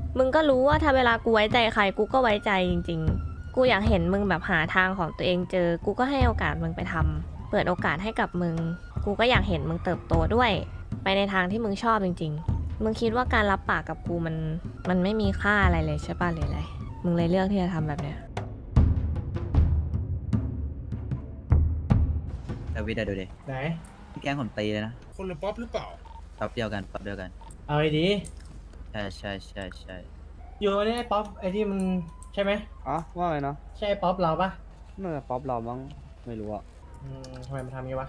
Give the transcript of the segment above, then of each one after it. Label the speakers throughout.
Speaker 1: มึงก็รู้ว่าถ้าเวลากูไว้ใจใครกูก็ไว้ใจจริงๆกูอยากเห็นมึงแบบหาทางของตัวเองเจอกูก็ให้โอกาสมึงไปทำเปิดโอกาสให้กับมึงกูก็อยากเห็นมึงเติบโตด้วยไปในทางที่มึงชอบจริงๆมึงคิดว่าการรับปากกับกูมันไม่มีค่าอะไรเลยใช่ป่ะหรืออะไรมึงเลยเลือกที่จะทำแบบเนี้ย
Speaker 2: แต่วิทย์อะดูดิ
Speaker 3: ไหน
Speaker 2: พี่แก๊งผมตีเลยนะ
Speaker 4: คนละป๊อปหรือเปล่า
Speaker 2: ป๊อปเดียวกันป๊อปเดียวกัน
Speaker 3: เอาไอ้ดี
Speaker 2: ใช่ใช่ใช่ใช่
Speaker 3: อยู่อันนี้ไอ้ป๊อปไอ้ที่มันใช่ไหม
Speaker 5: อ๋อว่าไงเนาะ
Speaker 3: ใช่ไอ้ป๊อปเราปะ
Speaker 5: น่าจะป๊อปเรามั้งไม่รู้อะ
Speaker 3: ทำไมมันทำงี้วะ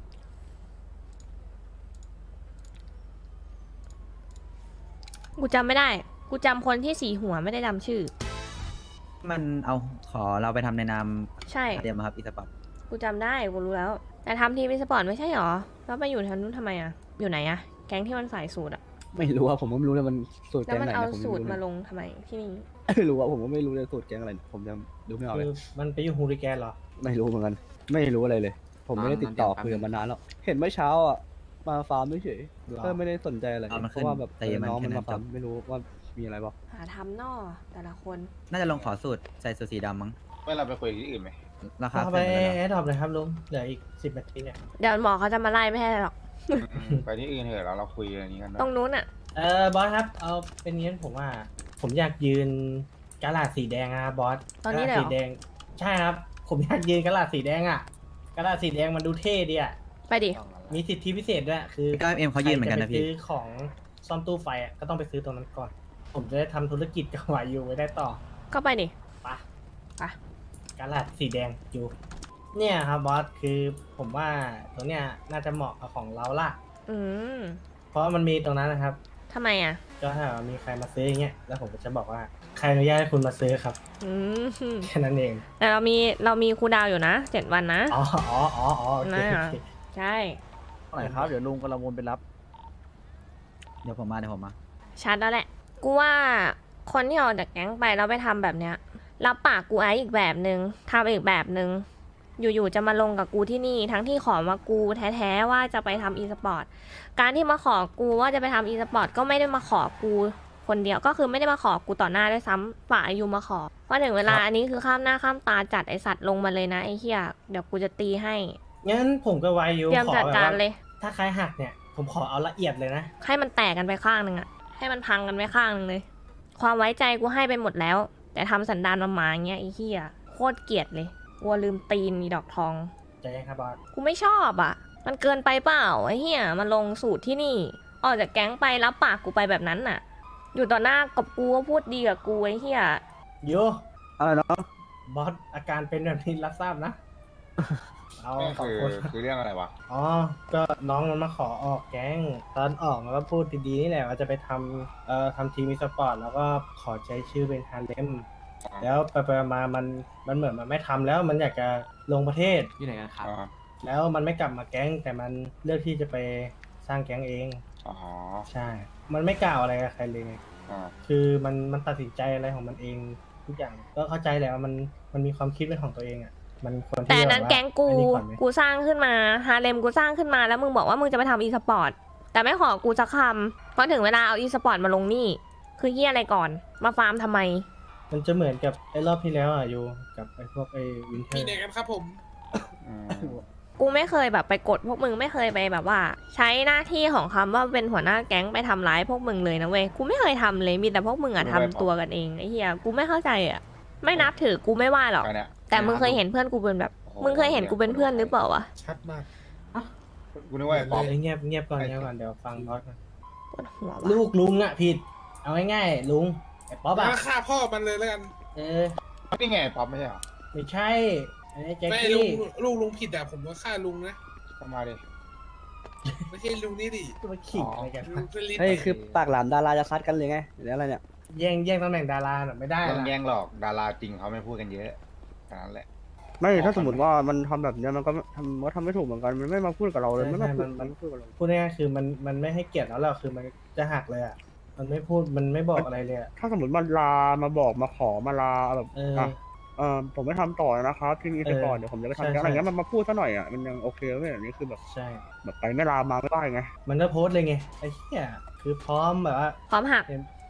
Speaker 1: กูจำไม่ได้ กูจำคนที่สีหัวไม่ได้จำชื่อ
Speaker 2: มันเอาขอเราไปทำในนาม
Speaker 1: ใช่
Speaker 2: เดียมครับอีสปอร์ต
Speaker 1: กูจำได้ กูรู้แล้ว แต่ทำทีมสปอร์ตไม่ใช่หรอ แล้วไปอยู่ทางนู้นทำไมอะอยู่ไหนอะแก๊งที่มันใส่สูตรอะ
Speaker 5: ไม่รู้อะผมก็ไม่รู้เลยมันสูตร
Speaker 1: แล้ว
Speaker 5: แก๊ง
Speaker 1: มัน
Speaker 5: ไหน
Speaker 1: เอา
Speaker 5: นะผม
Speaker 1: สูตร
Speaker 5: ไม่
Speaker 1: มา
Speaker 5: รู้
Speaker 1: ลงทำไมที่นี่
Speaker 5: ไม่รู้อะผมก็ไม่รู้เลยสูตรแก๊งอะไรผมยังดูไม่ออกเล
Speaker 3: คื
Speaker 5: ย
Speaker 3: อมันไปอยู่ฮูริแกนเหรอ
Speaker 5: ไม่รู้เหมือนกัน ไม่รู้อะไรเลย ผมไม่ได้ติดต่อคุยกับมันนานแล้วเห็นเมื่อเช้าอะมาฟาร์มเฉย
Speaker 3: หรอ
Speaker 5: ก็ไม่ได้สนใจอะไร
Speaker 2: เอามัน
Speaker 5: เพ
Speaker 2: ขึ้น
Speaker 5: ราะว่าแบบ
Speaker 2: ตีมัน
Speaker 5: น้อง
Speaker 2: แค่
Speaker 5: มัน
Speaker 2: นั้
Speaker 5: มาน ฟาร์ม
Speaker 2: จบ
Speaker 5: ไม่รู้ว่ามีอะไรบ้าง
Speaker 1: หาทำนอแต่ละคน
Speaker 2: น่าจะลงขอสูตรใส่สูตรสีดำมั้ง
Speaker 6: เมื่อเราไปคุยที่อื่นไหม
Speaker 2: ราคา
Speaker 3: เข้า
Speaker 2: ขึ้
Speaker 3: ไป
Speaker 2: นไปแล้ว
Speaker 3: แอดดอปเลยครับลุง เหลืออีก10 นาทีเนี่ย
Speaker 1: เดี๋ยวหมอเขาจะมาไล่ไม่ให้หรอก
Speaker 6: ไปที่อื่นเถอะเราคุยอันนี้กัน
Speaker 1: ตรงนู้นอะ
Speaker 3: บอสครับ เอาเป็นงี้ผมว่า ผมอยากยืนกระดาษสีแดงนะครับบอส
Speaker 1: ตอนนี้เลย
Speaker 3: ก
Speaker 1: เห
Speaker 3: ระ
Speaker 1: ร
Speaker 3: ดาษสีแด
Speaker 1: อง
Speaker 3: ใช่ครับ ผมอยากยืนกระดาษสีแดงอะกระดาษสีแดงมันดูเท่ดีอะ
Speaker 1: ไปดิ
Speaker 3: มีสิทธิพิเศษด้วย คือ
Speaker 2: ก็เอ็มเขายืนเหมือนกันนะ
Speaker 3: ใครจ
Speaker 2: พี่
Speaker 3: ไปซื้อของซ่อมตู้ไฟอะก็ต้องไปซื้อตรงนั้นก่อน ผมจะได้ทำธุรกิจกับวายูไว้ได้ต่อ
Speaker 1: ก็ไปดิ
Speaker 3: ไปะ
Speaker 1: ไป
Speaker 3: กระดาษสีแดงอยู่ เนี่ยครับบอส คือผมว่าตรงเนี้ยน่าจะเหมาะกับของเราละ
Speaker 1: อืม
Speaker 3: เพราะมันมีตรงนั้นนะครับ
Speaker 1: ทำไมอะ
Speaker 3: ก็ถ้ามีใครมาซื้ออย่างเงี้ย แล้วผมก็จะบอกว่าใครอนุญาตให้คุณมาซื้อครับ
Speaker 1: อืม
Speaker 3: แค่นั้นเอง
Speaker 1: แต่เรามีครูดาวอยู่นะ7 วันนะ
Speaker 3: อ๋อโอเค
Speaker 1: นะ
Speaker 3: โอเค
Speaker 1: ใช่
Speaker 5: ไหนครับเดี๋ยวลุงกำลังวนไปรับ
Speaker 2: เดี๋ยวผมมาเดี๋ยวผมมา
Speaker 1: ชัดแล้วแหละ กูว่าคนที่ออกจากแก๊งไปแล้วไปทำแบบเนี้ยรับปากกูไอ้อีกแบบนึงทำอีกแบบนึง อยู่ๆจะมาลงกับกูที่นี่ ทั้งที่ขอมากูแท้ๆว่าจะไปทำอีสปอร์ต การที่มาขอกูว่าจะไปทำอีสปอร์ตก็ไม่ได้มาขอกูคนเดียว ก็คือไม่ได้มาขอกูต่อหน้าด้วยซ้ำฝ่ายอายุมาขอพอถึงเวลาอันนี้คือข้ามหน้าข้ามตาจัดไอสัตว์ลงมาเลยนะไอเหี้ยเดี๋ยวกูจะตีให้
Speaker 3: งั้นผมกับวายู
Speaker 1: เตรียม
Speaker 3: ขอ
Speaker 1: จัด
Speaker 3: แบบ
Speaker 1: การ
Speaker 3: ว่า
Speaker 1: เลย
Speaker 3: ถ้าใครหักเนี่ย ผมขอเอาละเอียดเลยนะ
Speaker 1: ให้มันแตกกันไปข้างหนึ่งอะให้มันพังกันไปข้างหนึ่งเลย ความไว้ใจกูให้ไปหมดแล้ว แต่ทำสันดานมาหมาอย่างเงี้ยไอ้เหี้ยโคตรเกลียดเลยกลัวลืมตีนอีดอกทอง
Speaker 3: ใจเย็นครับบอส
Speaker 1: กูไม่ชอบอ่ะ มันเกินไปเปล่าไอ้เหี้ยมาลงสูตรที่นี่ ออกจากแก๊งไปรับปากกูไปแบบนั้นน่ะ อยู่ต่อหน้ากับกูก็พูดดีกับกูไอ้เหี้ย
Speaker 3: โย
Speaker 5: อะไรเนาะ
Speaker 3: บอสอาการเป็นแบบนี้รับทราบนะ เอา
Speaker 6: นี่
Speaker 3: ขอบ
Speaker 6: คือ
Speaker 3: คุณ
Speaker 6: คือเรื่องอะไรวะ
Speaker 3: อ๋อ ก็น้องมันมาขอออกแก๊ง ตอนออกมันก็พูดดีๆนี่แหละว่าจะไปทำทำทีมอีสปอร์ตแล้วก็ขอใช้ชื่อเป็นฮาเลม แล้วไปๆมามันเหมือนมันไม่ทำแล้วมันอยากจะลงประเทศ
Speaker 5: อยู่ไหนกันครับ
Speaker 6: อ๋อ
Speaker 3: แล้วมันไม่กลับมาแก๊ง แต่มันเลือกที่จะไปสร้างแก๊งเอง
Speaker 6: อ๋อ
Speaker 3: ใช่ มันไม่กล่าวอะไรกับใครเลยไง
Speaker 6: อ๋อ
Speaker 3: คือมันตัดสินใจอะไรของมันเองทุกอย่าง ก็เข้าใจแหละว่ามันมีความคิดเป็นของตัวเองอ่ะ มันควร
Speaker 1: แต่
Speaker 3: ที่
Speaker 1: อั
Speaker 3: จะ
Speaker 1: นนั้น
Speaker 3: บบว่า
Speaker 1: แก๊งกู
Speaker 3: อันนี้อนไหม
Speaker 1: กูสร้างขึ้นมาฮาเลมกูสร้างขึ้นมาแล้วมึงบอกว่ามึงจะไปทำอีสปอร์ต แต่ไม่ขอกูสักคำเพราะถึงเวลาเอาอีสปอร์ตมาลงนี่ คือเหี้ยอะไรก่อน มาฟาร์มทำไม
Speaker 3: มันจะเหมือนกับไอ้รอบที่แล้วอ่ะอยู่กับไอ้พวกไอ้วินเทอ
Speaker 4: มี
Speaker 3: ร์
Speaker 4: ไหนกันครับผม
Speaker 6: อืม
Speaker 1: กูไม่เคยแบบไปกดพวกมึงไม่เคยไปแบบว่า ใช้หน้าที่ของคำว่าเป็นหัวหน้าแก๊งไปทำร้ายพวกมึงเลยนะเว้ย กูไม่เคยทำเลย มีแต่พวกมึงอะทำตัวกันเองไอ้เหี้ย กูไม่เข้าใจอะไม่นับถือกูไม่ว่าหรอก
Speaker 6: ไปเนี่ย
Speaker 1: แต่มึงเคยเห็นเพื่อนกูเป็นแบบ
Speaker 6: โอ้โห
Speaker 1: มึงเคยเห็นกูเป็นเพื่อนหรือเปล่าวะ
Speaker 4: ชัดมาก
Speaker 6: กูนึกว่าไอ้ป๊อป
Speaker 3: เงียบก่อนเดี๋ยวฟังบอสก่อน
Speaker 1: ปวดหัววะ
Speaker 3: ลูกลุงอ่ะผิด เอาง่ายๆลุงไอ้ป๊อป
Speaker 4: แล้
Speaker 3: อ่ะ
Speaker 4: วฆ่าพ่อมันเลยแล้วกัน
Speaker 3: เออ
Speaker 6: นี่ไงไอ้ป๊อปไม่ใช่เหรอ
Speaker 3: ไม่ใช่ อันนี้แจ็ค
Speaker 4: ไม่
Speaker 3: กี้
Speaker 4: ลุงผิดอะผมก็ฆ่าลุงนะ
Speaker 6: เข้ามาดิ
Speaker 4: ไม่ใช่ลุงนี่ดิ
Speaker 3: จะมาขิงอะไรกัน
Speaker 4: ลุงเป็นลิ้น
Speaker 5: เฮ้ยคือปากหลานดาราจะซัดกันเลยไงหรืออะไรเนี่ย
Speaker 3: แย่งตำแหน่งดาราน่ะไม่ได้
Speaker 6: ต้อง
Speaker 3: ละ
Speaker 6: แย่งหรอกดาราจริงเขาไม่พูดกันเยอะแค่นั้นแหละ
Speaker 5: ไม่ถ้าสมมติว่ามันทำแบบเนี้ยมันก็ทำไม่ถูกเหมือนกันมันไม่มาพูดกับเราเลยไม่มาพูดมันพูดกับเรา
Speaker 3: พูดง่ายๆคือมันไม่ให้เกียรติแล้วเราคือมันจะหักเลยอ่ะ มันไม่พูดมันไม่บอกอะไรเลยอ่ะ
Speaker 5: ถ้าสมมติมันลามาบอกมาขอมาลาแบบ
Speaker 3: เออ
Speaker 5: ผมไม่ทำต่อนะครับที่นี่ไปก่อนเดี๋ยวผมจะไปทำ
Speaker 3: ใช่
Speaker 5: อะไร
Speaker 3: ใช่
Speaker 5: เงี้ยมันมาพูดซะหน่อยอ่ะมันยังโอเคไม่แบบนี้คือแบบ
Speaker 3: ใช่
Speaker 5: แบบไปไม่ลามาไม่ได้ไง
Speaker 3: มันก็โพสต์เลยไงไอ้เหี้ยคือพร้อมแบบว่า
Speaker 1: พร้อมหัก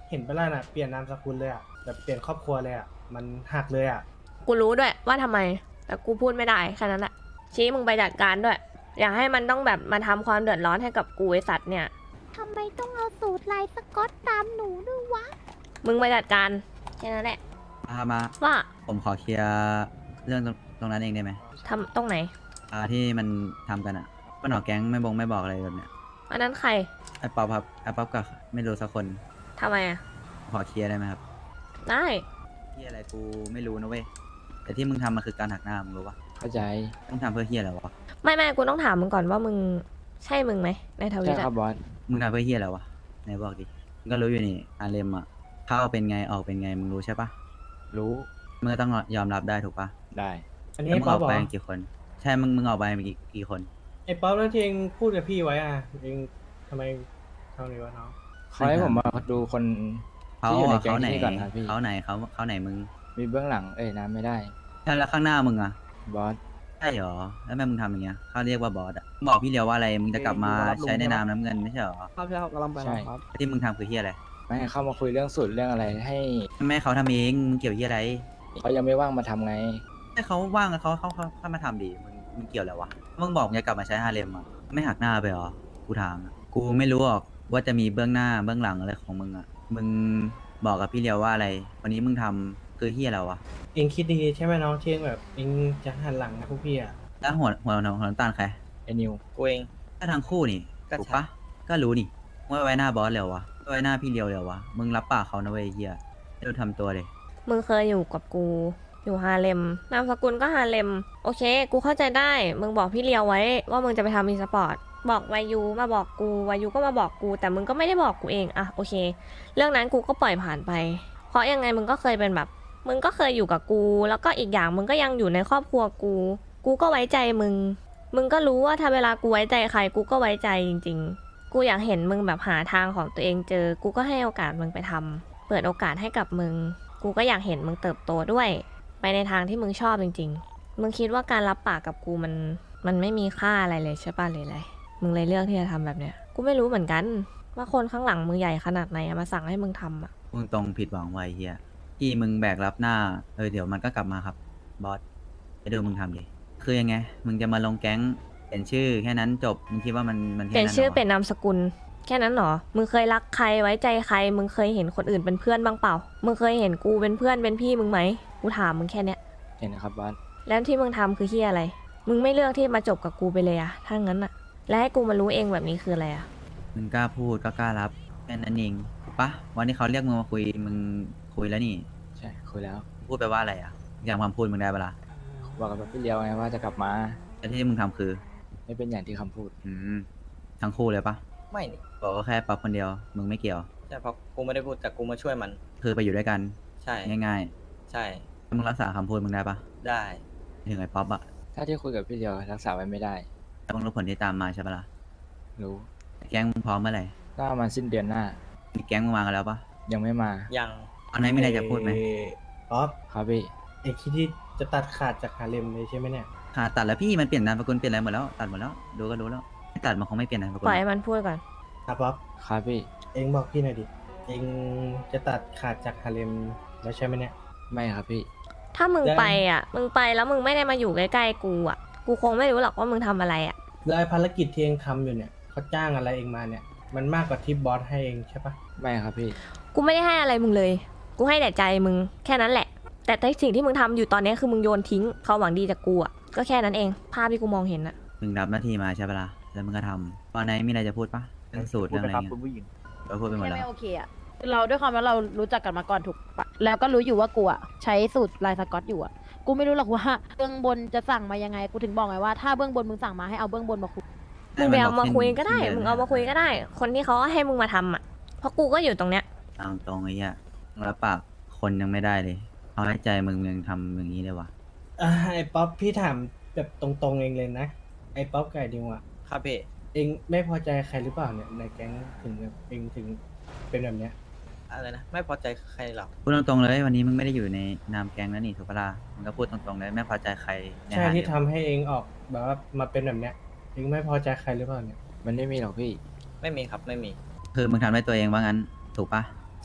Speaker 3: เห็นไปแล้วน่ะเปลี่ยนนามสกุลเลยอ่ะแบบเปลี่ยนครอบครัวเลยอ่ะมันหักเลยอ่ะ
Speaker 1: กูรู้ด้วยว่าทำไม แต่กูพูดไม่ได้แค่นั้นแหละชี้มึงไปจัดการด้วย อย่าให้มันต้องแบบมาทำความเดือดร้อนให้กับกูไอสัตว์เนี่ย
Speaker 7: ทำไมต้องเอาสูตรลายสก๊อตตามหนูด้วยวะ
Speaker 1: มึงไปจัดการแค่นั้นแหละ
Speaker 2: มา
Speaker 1: ว่า
Speaker 2: ผมขอเคลียร์เรื่องตรงนั้นเองได้ไหม
Speaker 1: ทำตรงไหน
Speaker 2: ที่มันทำกันอ่ะมันออกแก๊งไม่บอกอะไรแบบเนี้ย
Speaker 1: อันนั้นใคร
Speaker 2: ไอ้ป๊อปครับไอ้ป๊อปกับไม่รู้สักคน
Speaker 1: ทำไมอ่ะ
Speaker 2: ขอเคลียร์ได้ไหมครับ
Speaker 1: ได้
Speaker 2: ที่อะไรกูไม่รู้นะเว้ยแต่ที่มึงทำมันคือการหักหน้ามึงรู้ปะ
Speaker 5: เข้าใจ
Speaker 2: มึงทำเพื่อเฮียอะไรวะ
Speaker 1: ไม่กูต้องถามมึงก่อนว่ามึงใช่มึงไหมในทวิ
Speaker 5: ใช่
Speaker 1: ต
Speaker 5: ครั
Speaker 1: อะ
Speaker 5: บบอส
Speaker 2: มึงทำเพื่อเฮียอะไรวะไหนบอกดิมึงก็รู้อยู่นี่อาเลมอ่ะเข้าเป็นไงออกเป็นไงมึงรู้ใช่ปะ
Speaker 5: รู้
Speaker 2: มึงก็ต้องยอมรับได้ถูกปะ
Speaker 5: ได้
Speaker 3: อันนี้
Speaker 2: แล้ว
Speaker 3: ไอ้
Speaker 2: มึง
Speaker 3: ป๊
Speaker 2: อ
Speaker 3: อ
Speaker 2: อ
Speaker 3: ป
Speaker 2: ก
Speaker 3: เหร
Speaker 2: ไป
Speaker 3: อ
Speaker 2: กี่คน ใช่มึงออกไปกี่คน
Speaker 3: ไอ้ป๊อปแล้วที่เองพูดกับพี่ไว้อ่ะเองทำไมเท่านี้วะน้อง
Speaker 5: เขาให้ผมมาดูคน
Speaker 2: เขา
Speaker 5: ที่อยู่ใน
Speaker 2: อะ
Speaker 5: แก๊ง
Speaker 2: เขาไหน
Speaker 5: ที่นี่ก่อนครับพี่
Speaker 2: เขาไหนเขาไหนมึง
Speaker 5: มีเบื้องหลังน้ำไม่ได้
Speaker 2: ใช่แล้วข้างหน้ามึงอ่ะ
Speaker 5: บอส
Speaker 2: ใช่เหรอแล้วแม่มึงทำอย่างเงี้ยเขาเรียกว่าบอสอ่ะบอกพี่เลียวว่าอะไรมึงจะกลับมาใช้ในนามน้ำเงินไม่ใช่เหรอ
Speaker 5: ครับใช่ครับกำลังไปครับ
Speaker 2: ที่มึงทำคือเฮียอะไร
Speaker 5: ไม่ให้เข้ามาคุยเรื่องสูตรเรื่องอะไร ให้
Speaker 2: แม่เขาทำเองมึงเกี่ยวเฮียอะไร
Speaker 5: เขายังไม่ว่างมาทำไง
Speaker 2: ให้เขาว่างเขามาทำดิมึงเกี่ยวอะไรวะมึงบอกมึงจะกลับมาใช้ฮาเลมอ่ะไม่หักหน้าไปเหรอกูถามอะกูไม่รู้หรอกว่าจะมีเบื้องหน้าเบื้องหลังอะไรของมึงอ่ะมึงบอกกับพี่เลียวว่าอะไรวันนี้มึงทำคือเฮียอะไรวะ
Speaker 3: เองคิดดีใช่ไหมน้องที่เองแบบเองจะหันหลังนะพวกพี่อ่ะ
Speaker 2: แล้วหัวน้ำตาลใคร
Speaker 5: ไอ้นิว
Speaker 8: กูเอง
Speaker 2: ก็ทั้งคู่นี่ถูกปะก็รู้นี่ว่าไว้หน้าบอสเร็ววะไว้หน้าพี่เลียวเร็ววะมึงรับปากเขานะเว้ยเฮียไม่รู้ทำตัวเลย
Speaker 1: มึงเคยอยู่กับกู อยู่ฮาเลมนามสกุลก็ฮาเลมโอเค กูเข้าใจได้ มึงบอกพี่เลียวไว้ว่ามึงจะไปทำอีสปอร์ตบอกวายูมาบอกกูวายูก็มาบอกกู แต่มึงก็ไม่ได้บอกกูเองอะโอเค เรื่องนั้นกูก็ปล่อยผ่านไป เพราะยังไงมึงก็เคยเป็นแบบ มึงก็เคยอยู่กับกู แล้วก็อีกอย่างมึงก็ยังอยู่ในครอบครัวกู กูก็ไว้ใจมึง มึงก็รู้ว่าถ้าเวลากูไว้ใจใครกูก็ไว้ใจจริง ๆ กูอยากเห็นมึงแบบหาทางของตัวเองเจอ กูก็ให้โอกาสมึงไปทำเปิดโอกาสให้กับมึง กูก็อยากเห็นมึงเติบโตด้วย ไปในทางที่มึงชอบจริงๆ มึงคิดว่าการรับปากกับกูมันไม่มีค่าอะไรเลยใช่ป่ะหรืออะไร มึงเลยเลือกที่จะทำแบบเนี้ย กูไม่รู้เหมือนกัน ว่าคนข้างหลังมึงใหญ่ขนาดไหนอะมาสั่งให้มึงทำอะ
Speaker 2: มึงตรงผิดหวังไว้เฮียที่มึงแบกรับหน้าเดี๋ยวมันก็กลับมาครับบอสไปดูมึงทำดิคือยังไง มึงจะมาลงแก๊งเปลี่ยนชื่อแค่นั้นจบมึงคิดว่ามัน
Speaker 1: เป
Speaker 2: แค่
Speaker 1: ลี่ยน
Speaker 2: นั้น
Speaker 1: ชื่อ
Speaker 2: หร
Speaker 1: เปลี่ยนนามสกุล แค่นั้นเหรอ มึงเคยรักใครไว้ใจใคร มึงเคยเห็นคนอื่นเป็นเพื่อนบ้างเปล่า มึงเคยเห็นกูเป็นเพื่อนเป็นพี่มึงไหม กูถามมึงแค่เนี้ย
Speaker 5: เห็นนะครับบอส
Speaker 1: แล้วที่มึงทำคือที่อะไร มึงไม่เลือกที่มาจบกับกูไปเลยอะถ้างั้นอะและให้กูมารู้เองแบบนี้คืออะไรอะ
Speaker 2: มึงกล้าพูดก็กล้ารับแค่นั้นเองถูกปะวันที่เขาเรียกมึงมาคุยมึงคุยแล้วนี่
Speaker 5: ใช่คุยแล้ว
Speaker 2: พูดไปว่าอะไรอ่ะอย่างความพูดมึงได้ปะล่ะ
Speaker 5: บอกกับพี่เลียวไงว่าจะกลับมา
Speaker 2: แต่ที่มึงทำคือ
Speaker 5: ไม่เป็นอย่างที่คำพูด
Speaker 2: ทั้งคู่เลยปะ
Speaker 8: ไม่นี่
Speaker 2: บอกก็แค่ป๊อปคนเดียวมึงไม่เกี่ยว
Speaker 8: ใช่เพราะกูไม่ได้พูดแต่กูมาช่วยมัน
Speaker 2: คือไปอยู่ด้วยกัน
Speaker 8: ใช่
Speaker 2: ง่าย
Speaker 8: ใช่
Speaker 2: ๆแล้วมึงรักษาคำพูดมึงได้ปะ
Speaker 8: ได้
Speaker 2: ถึงไอ้ป๊อปอะ
Speaker 5: ถ้าที่คุยกับพี่เลียวรักษาไว้ไม่ได้
Speaker 2: แล้วมึงรู้ผลที่ตามมาใช่ปะล่ะ
Speaker 5: รู้
Speaker 2: แก๊งมึงพร้อมเมื่อไหร่
Speaker 5: ก็ประมาณสิ้นเดือนหน้า
Speaker 2: มีแก๊งมึงมากันแล้วปะ
Speaker 5: ยังไม่มา
Speaker 8: ยัง
Speaker 2: ตอนนี้มีอะไรจะพูดไหม
Speaker 3: ป๊อป
Speaker 5: ครับพี่
Speaker 3: เองคิดที่จะตัดขาดจากฮาเลมเลยใช่ไหมเนี่ย
Speaker 2: ขาดตัดแล้วพี่มันเปลี่ยนนามสกุลเปลี่ยนอะไรหมดแล้วตัดหมดแล้วดูก็รู้แล้วไม่ตัดมันคงไม่เปลี่ยนนามสกุล
Speaker 1: ปล่อยให้มันพูดก่อน
Speaker 3: อ่ะป๊อป
Speaker 5: ครับพี่
Speaker 3: เองบอกพี่หน่อยดิ เองจะตัดขาดจากฮาเลมแล้วใช่ไหมเนี่ย
Speaker 5: ไม่ครับพี่
Speaker 1: ถ้ามึง
Speaker 3: ได้
Speaker 1: ไปอ่ะ มึงไปแล้วมึงไม่ได้มาอยู่ใกล้ๆกูอ่ะ กูคงไม่รู้หรอกว่ามึงทำอะไรอ่ะ
Speaker 3: แล้วไอ้ภารกิจที่เองทำอยู่เนี่ยเขาจ้างอะไรเองมาเนี่ย มันมากกว่าที่บอสให้เองใช่ปะ
Speaker 5: ไม่ครับพี่
Speaker 1: กูไม่ได้ให้อะไรมึงเลย กูให้แต่ใจมึงแค่นั้นแหละ แต่สิ่งที่มึงทำอยู่ตอนนี้คือมึงโยนทิ้งความหวังดีจากกูอ่ะ ก็แค่นั้นเอง ภาพที่กูมองเห็นอ่ะ
Speaker 2: มึงรับหน้าที่มาใช่ปะล่ะแล้วมึงก็ทำตอนไหนมีอะไรจะพูดปะเรื่องสูตรเรื่องอะไรเงี้ยเราพูดไปหมด
Speaker 9: แค่
Speaker 2: แล้ว
Speaker 9: ไม่โอเคอะเราด้วยความว่าเรารู้จักกันมาก่อนถูกปะแล้วก็รู้อยู่ว่ากูอะใช้สูตรลายสก๊อตอยู่อะกูไม่รู้หรอกว่าเบื้องบนจะสั่งมายังไง กูถึงบอกไงว่าถ้าเบื้องบนมึงสั่งมาให้เอาเบื้องบนมาคุย
Speaker 1: มึงไปเอามาคุยก็ได้ มึงเอามาคุยก็ได้ คนที่เขาให้มึงมาทำอ่ะ เพราะกูก็อยู่ตรงเนี้ย
Speaker 2: ตามตรงไอ้เหี้ยมึงรับปากคนยังไม่ได้เลยเอาให้ใจมึงยังทำอย่างนี้เลยวะ
Speaker 3: ไอ้ป๊อปพี่ถามแบบตรงๆเองเลยนะ ไอ้ป๊อปไก่ดิวอะ
Speaker 8: ครับพี่
Speaker 3: เองไม่พอใจใครหรือเปล่าเนี่ยในแก๊งถึงแบบเองถึงเป็นแบบเนี้ย
Speaker 8: อะไรนะ ไม่พอใจใครหรอก
Speaker 2: พูดตรงๆเลยวันนี้มึงไม่ได้อยู่ในนามแก๊งแล้วนี่ถูกปะล่ะมึงก็พูดตรงๆเลยไม่พอใจใครใน
Speaker 3: ใช่
Speaker 2: หา
Speaker 3: ที่
Speaker 2: เดียว
Speaker 3: ทำให้เองออกแบบว่ามาเป็นแบบเนี้ยเองไม่พอใจใครหรือเปล่าเนี่ย
Speaker 5: มันไม่มีหรอกพี่
Speaker 8: ไม่มีครับ ไม่มี
Speaker 2: คือมึงทำด้วยตัวเองว่างั้นถูกปะ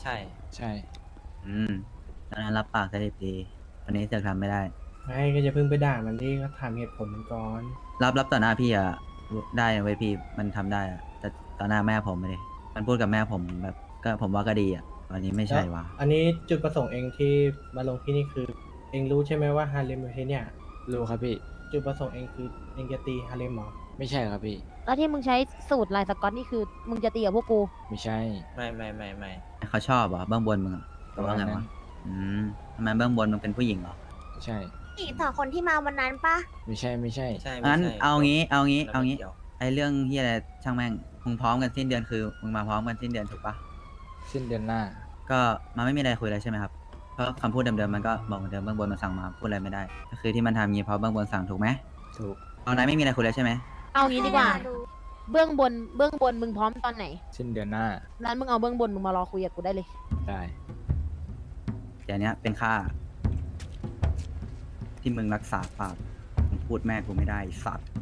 Speaker 8: ใช่
Speaker 5: ใช่
Speaker 2: ตอนนั้นรับปากสดิบดีวันนี้เสือกทำไม่ได้
Speaker 3: ไม่ก็จะเพิ่งไปด่ามันที่ก็ถามเหตุผลมันก่อน
Speaker 2: รับต่อหน้าพี่อะได้นะเว้ยพี่มันทำได้อะแต่ต่อหน้าแม่ผมไม่ได้มันพูดกับแม่ผมแบบก็ผมว่าก็ดีอะวันนี้ไม่ใช่วะ
Speaker 3: อันนี้จุดประสงค์เองที่มาลงที่นี่คือ เองรู้ใช่ไหมว่าฮาเลมอยู่ที่เนี่ย
Speaker 5: รู้ครับพี่
Speaker 3: จุดประสงค์เองคือเองจะตีฮาเลมเหรอ
Speaker 5: ไม่ใช่ครับพี่
Speaker 9: แล้วที่มึงใช้สูตรลายสก๊อตนี่คือมึงจะตีกับพวกกู
Speaker 5: ไม่ใช่
Speaker 8: ไม่
Speaker 2: เขาชอบเหรอเบื้องบนมึงอะหรือว่าไงวะทำไมเบื้องบนมึงเป็นผู้หญิงเหรอ
Speaker 5: ใช่
Speaker 7: อีกสองคนที่มาวันนั้นปะ
Speaker 5: ไม่ใช่
Speaker 8: ใช่ไม่
Speaker 2: งั้น
Speaker 8: ใช่
Speaker 2: เอางี้
Speaker 8: แล้วไม่กี่ยว
Speaker 2: ไอเรื่องที่อะไรช่างแม่งมึงพร้อมกันสิ้นเดือนคือมึงมาพร้อมกันสิ้นเดือนถูกปะ
Speaker 5: สิ้นเดือนหน้า
Speaker 2: ก็มันไม่มีอะไรคุยแล้วใช่ไหมครับเพราะคำพูดเดิมๆมันก็บอกเหมือนเดิมเบื้องบนมันสั่งมาพูดอะไรไม่ได้ ก็คือที่มันทำงี้เพราะเบื้องบนสั่งถูกไหม
Speaker 5: ถูก
Speaker 2: ตอนนั้นไม่มีอะไรคุยแล้วใช่ไหม
Speaker 9: เอางี้ดีกว่า
Speaker 7: ให้เรดู
Speaker 9: เบื้องบนมึงพร้อมตอนไหน
Speaker 5: สิ้นเดือนหน้า
Speaker 9: นั้นมึงเอาเบื้องบนมึงมารอคุยกับกูได้เลย
Speaker 5: ได้
Speaker 2: แต่เนี้ยเป็นค่า ที่มึงรักษาปากมึงพูดแม่กูไม่ได้ไอ้สัตว์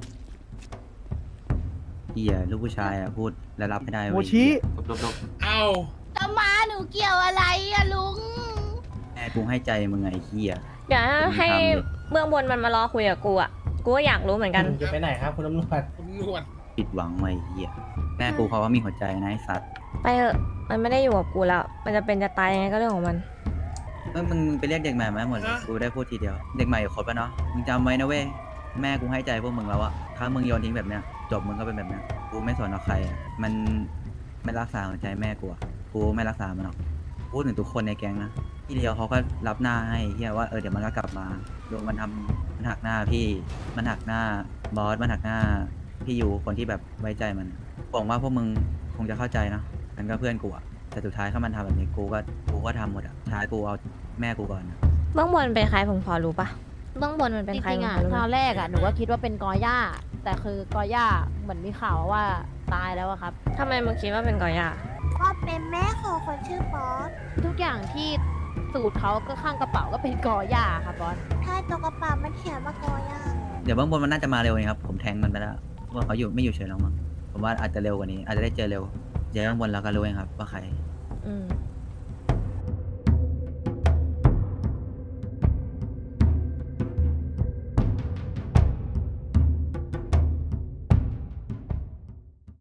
Speaker 2: เหี้ยลูกผู้ชายอะพูดและรับไม่ได้เว้ย
Speaker 5: โมชิ
Speaker 4: เอา
Speaker 7: จะมาหนูเกี่ยวอะไรอะลุง
Speaker 2: แม่กูให้ใจมึงไงไอ้เหี้ย
Speaker 1: เดี๋ยวให้
Speaker 2: มึงทำดิ
Speaker 1: เบื้องบนมันมารอคุยกับกูอ่ะ กูก็อยากรู้เหมือนกัน
Speaker 3: จะไปไหนครับคุณตำรวจ
Speaker 4: คุณนวด
Speaker 2: ผิดหวังไว้ไอ้เหี้ยแม่กูเขาว่ามีหัวใจนะไอ้สัตว์
Speaker 1: ไปเถอะ มันไม่ได้อยู่กับกูแล้ว มันจะเป็นจะตายยังไงก็เรื่องของมัน
Speaker 2: มึงไปเรียกเด็กใหม่มาให้หมดเลยกูได้พูดทีเดียว เด็กใหม่ครบแล้วเนาะมึงจำไว้นะเว้ยแม่กูให้ใจพวกมึงแล้วอะถ้ามึงโยนทิ้งแบบเนี้ยจบมึงก็เป็นแบบเนี้ยกูไม่สนเอาใครอะมันไม่รักษาหัวใจแม่กูอะกูไม่รักษามันหรอกพูดถึงทุกคนในแก๊งนะพี่เดียวเขาก็รับหน้าให้เฮียว่าเดี๋ยวมันก็กลับมาโดนมันทำมันหักหน้าพี่มันหักหน้าบอสมันหักหน้าพี่อยู่คนที่แบบไว้ใจมันหวังว่าพวกมึงคงจะเข้าใจนะมันก็เพื่อนกูอะแต่สุดท้ายถ้ามันทำแบบนี้กูก็ทำหมดอะสุดท้ายกูเอาแม่กูก่อนนะ
Speaker 1: เบื้องบนเป็นใครผมพอรู้ปะเบื้องบนมันเป็น
Speaker 9: จ
Speaker 1: ใคร
Speaker 9: ริงๆ
Speaker 1: ผม
Speaker 9: อ่ะ
Speaker 1: พอรู้
Speaker 9: ต
Speaker 1: ไหม
Speaker 9: อนแรกอ่ะหนูก็คิดว่าเป็นกอย่า แต่คือกอย่าเหมือนมีข่าวว่าตายแล้วอะครับ
Speaker 1: ทำไมมึงคิดว่าเป็นกอย่า
Speaker 7: ก็เป็นแม่ของคนชื่อบอส
Speaker 9: ทุกอย่างที่สูตรเขาก็ข้างกระเป๋าก็เป็นกอย่าครับบอส
Speaker 7: ถ้าตัวกระเป๋ามันเขียนว่ากอย่า
Speaker 2: เดี๋ยวเบื้องบนมันน่าจะมาเร็วเองครับ ผมแทงมันไปแล้วว่าเขาไม่อยู่เฉยหรอกมั้งผมว่าอาจจะเร็วกว่านี้ อาจจะได้เจอเร็วเดี๋ยวเบื้องบนเราก็รู้เองครับว่าใคร
Speaker 1: อืม